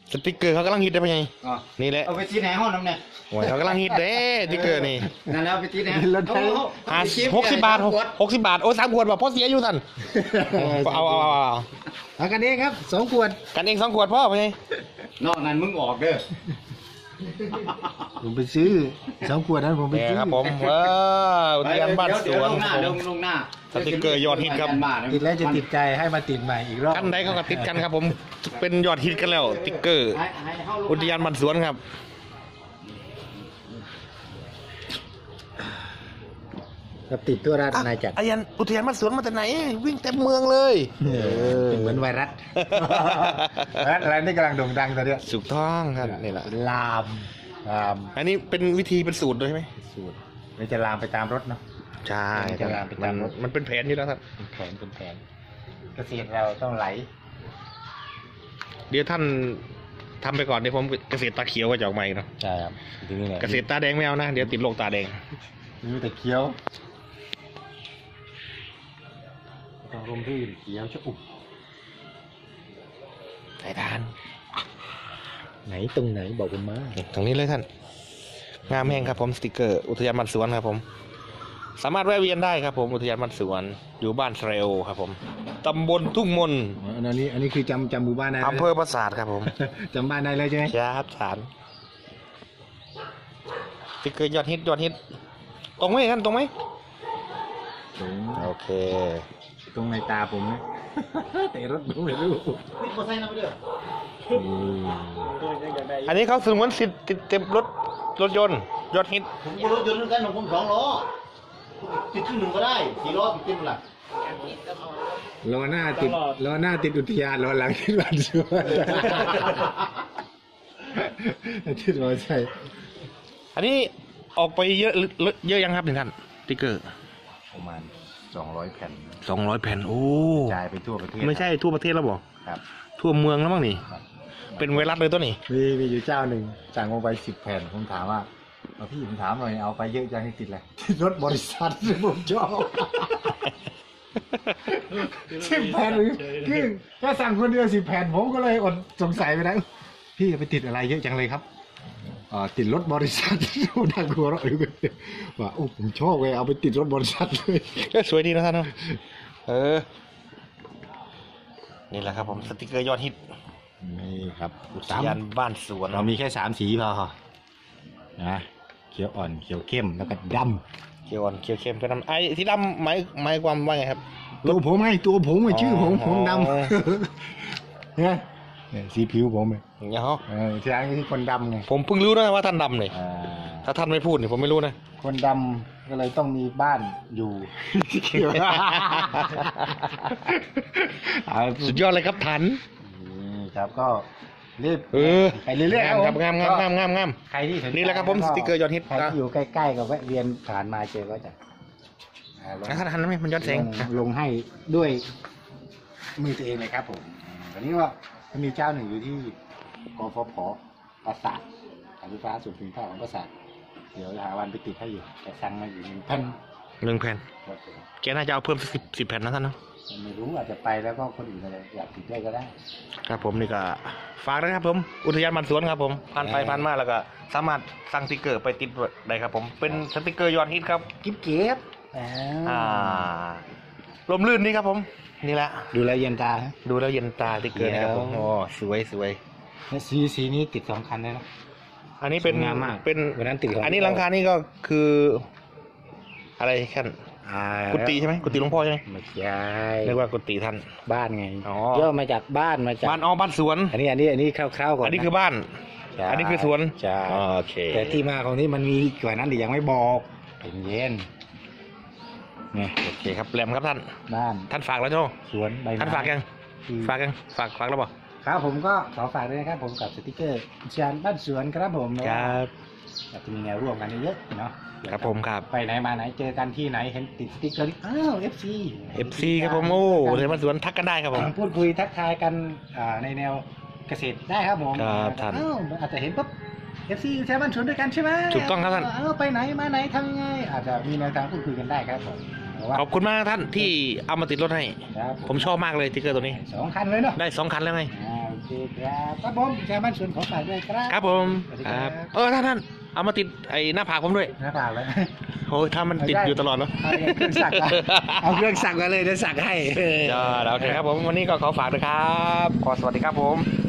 สติ๊กเกอร์เขากำลังฮิตได้ปะไงนี่แหละเอาไปที่ไหนห้องน้ำเนี่ยโอ้ยเขากำลังฮิตเด้สติ๊กเกอร์นี่นั่นแล้วไปที่ไหน 60 บาท60 บาทโอ้3 ขวดว่ะพ่อเสียอยู่ท่านเอากันเองครับ2 ขวดกันเอง2 ขวดพ่อปะไงนอกนั้นมึงออกเด้อผมไปซื้อ2 ขวดนั้นผมไปซื้อครับผมอุทยานบ้านสวนลงหน้าสติ๊กเกอร์ยอดฮิตครับติดแล้วจะติดใจให้มาติดใหม่อีกรอบกันใดเขาก็ติดกันครับผมเป็นยอดฮิตกันแล้วสติ๊กเกอร์อุทยานบ้านสวนครับครับติดตัวราชนาจักรอุทยานบ้านสวนมาจากไหนวิ่งเต็มเมืองเลยเหมือนไวรัสอะไรนี่กำลังโด่งดังตอนนี้สุกท้องครับนี่แหละลามอันนี้เป็นวิธีเป็นสูตรด้วยใช่ไหมสูตรมันจะลามไปตามรถเนาะใช่มันเป็นแผนอยู่แล้วครับเป็นแผนเกษตรเราต้องไหลเดี๋ยวท่านทำไปก่อนเดี๋ยวผมเกษตรตาเขียวก็จะออกมาอีกเนาะใช่ครับเกษตรตาแดงไม่เอานะเดี๋ยวติดโรคตาแดงนี่แต่เขียวต้องลงที่เขียวชะอุ่มสายทานไหนตรงไหนบอกผมมาตรงนี้เลยท่านงามแห้งครับผมสติกเกอร์อุทยานบ้านสวนครับผมสามารถแวะเวียนได้ครับผมอุทยานบ้านสวนอยู่บ้านเทรลครับผมตำบลทุ่งมนอันนี้คือจำหมู่บ้านได้อำเภอปราสาทครับผมจำบ้านได้เลยใช่ไหมครับฐานสติกเกอร์ยอดฮิตตรงไหมท่านตรงไหมโอเคตรงในตาผมนะแต่รถผมไม่รู้นี่เขาใส่น้ำไปเด้ออันนี้เขาสมมติสิทธิ์ติดเต็มรถยนต์ยอดฮิตผมก็รถยนต์เหมือนกันของผม2 ล้อติดที่1ก็ได้4 ล้อติดเต็มหลักล้อหน้าติดอุทยานล้อหลังติดบ้านสวนติดมอเตอร์ไซค์อันนี้ออกไปเยอะยังครับท่านสติ๊กเกอร์ประมาณ200 แผ่น 200 แผ่นโอ้จ่ายไปทั่วประเทศไม่ใช่ทั่วประเทศแล้วบอกครับทั่วเมืองแล้วมั้งนี่เป็นไวรัสเลยตัวนี้มีอยู่เจ้าหนึ่งสั่งลงไป10 แผ่นผมถามว่าพี่ผมถามหน่อยเอาไปเยอะจังให้ติดอะไรรถบริษัทผมชอบ10 แผ่นหรือแค่สั่งคนเดียว10 แผ่นผมก็เลยอดสงสัยไปนะพี่ไปติดอะไรเยอะจังเลยครับติดรถบริษัทน่ากลัวเราอยู่กันว่าโอ้ผมชอบเลยเอาไปติดรถบริษัทเลยสวยดีนะท่านเนาะนี่แหละครับผมสติกเกอร์ยอดฮิตนี่ครับอุทยานบ้านสวนเรามีแค่3 สีพอนะเขียวอ่อนเขียวเข้มแล้วก็ดำเขียวอ่อนเขียวเข้มก็ดำไอ้ที่ดำหมายความว่าไงครับตัวผมไงชื่อผมดำเนี่ยสีผิวผมเลยเนี่ยฮะที่ร้านคือคนดำไงผมเพิ่งรู้นะว่าท่านดำเลยถ้าท่านไม่พูดเนี่ยผมไม่รู้นะคนดำก็เลยต้องมีบ้านอยู่สุดยอดเลยครับทันครับก็รีบไปเรื่อยๆครับงามใครที่นี่แหละครับผมสติ๊กเกอร์ยอดฮิตใครที่อยู่ใกล้ๆกับแวะเวียนผ่านมาเจอก็จะทันไหมมันย้อนแสงลงให้ด้วยมือตัวเองเลยครับผมตอนนี้ว่ามันมีเจ้าหนึ่งอยู่ที่กฟผ.ปราสาทการไฟฟ้าส่วนภูมิภาคของปราสาทเดี๋ยวหาวันไปติดให้อยู่แต่สั่งมาอยู่1 แผ่นแกน่าจะเอาเพิ่ม10 แผ่นนะท่านเนาะไม่รู้อาจจะไปแล้วก็คนอื่นอะไรอยากติดได้ก็ได้ครับผมนี่ก็ฝากนะครับผมอุทยานบ้านสวนครับผมผ่านไปผ่านมาแล้วก็สามารถสั่งสติ๊กเกอร์ไปติดได้ครับผมเป็นสติ๊กเกอร์ยอดฮิตครับกิ๊บเก็บลมลื่นนี่ครับผมนี่แหละดูแล้วเย็นตาสติ๊กเกอร์นะครับผมโอ้สวยสีนี้ติด2 คันได้นะอันนี้เป็นงามมากเป็นวันนั้นติดอันนี้หลังคานี่ก็คืออะไรขั้นกุฏิใช่ไหมกุฏิหลวงพ่อใช่ไหมไม่ใช่เรียกว่ากุฏิท่านบ้านไงย่อมาจากบ้านบ้านสวนอันนี้คร่าวๆก่อนอันนี้คือบ้านอันนี้คือสวนใช่โอเคแต่ที่มาของนี้มันมีกว่านั้นแต่ยังไม่บอกเป็นเย็นเนี่ยโอเคครับแหลมครับท่านบ้านท่านฝากแล้วใช่ไหมสวนใบท่านฝากยังฝากแล้วบอกครับผมก็ขอฝากด้วยนะครับผมกับสติ๊กเกอร์อุทยานบ้านสวนครับผมครับจะมีแนวร่วมกันเยอะเนาะครับผมครับไปไหนมาไหนเจอกันที่ไหนเห็นติดสติ๊กเกอร์ FC ครับผมโอ้เดี๋ยวมาสวนทักกันได้ครับผมพูดคุยทักทายกันในแนวเกษตรได้ครับผมครับท่านอาจจะเห็นปุ๊บ FC ใช้บ้านสวนด้วยกันใช่ไหมถูกต้องครับท่านไปไหนมาไหนทำยังไงอาจจะมีแนวทางพูดคุยกันได้ครับผมขอบคุณมากท่านที่เอามาติดรถให้ผมชอบมากเลยสติ๊กเกอร์ตัวนี้ 2 คันเลยเนาะได้2 คันแล้วไงโอเคเคครับครับผมแชร์บ้านสวนของฝากด้วยครับครับผมสวัสดีคครัรับ บท่านเอามาติดไอ้หน้าผากผมด้วยหน้าเปล่าเลยโอ้ยถ้ามันติดอยู่ตลอดเนาะเอาเครื่องสักมาเอาเครื่องสักมาเลยเดี๋ยวสักให้จ้าโอเคครับผมวันนี้ก็ขอฝากด้วยครับขอสวัสดีครับผม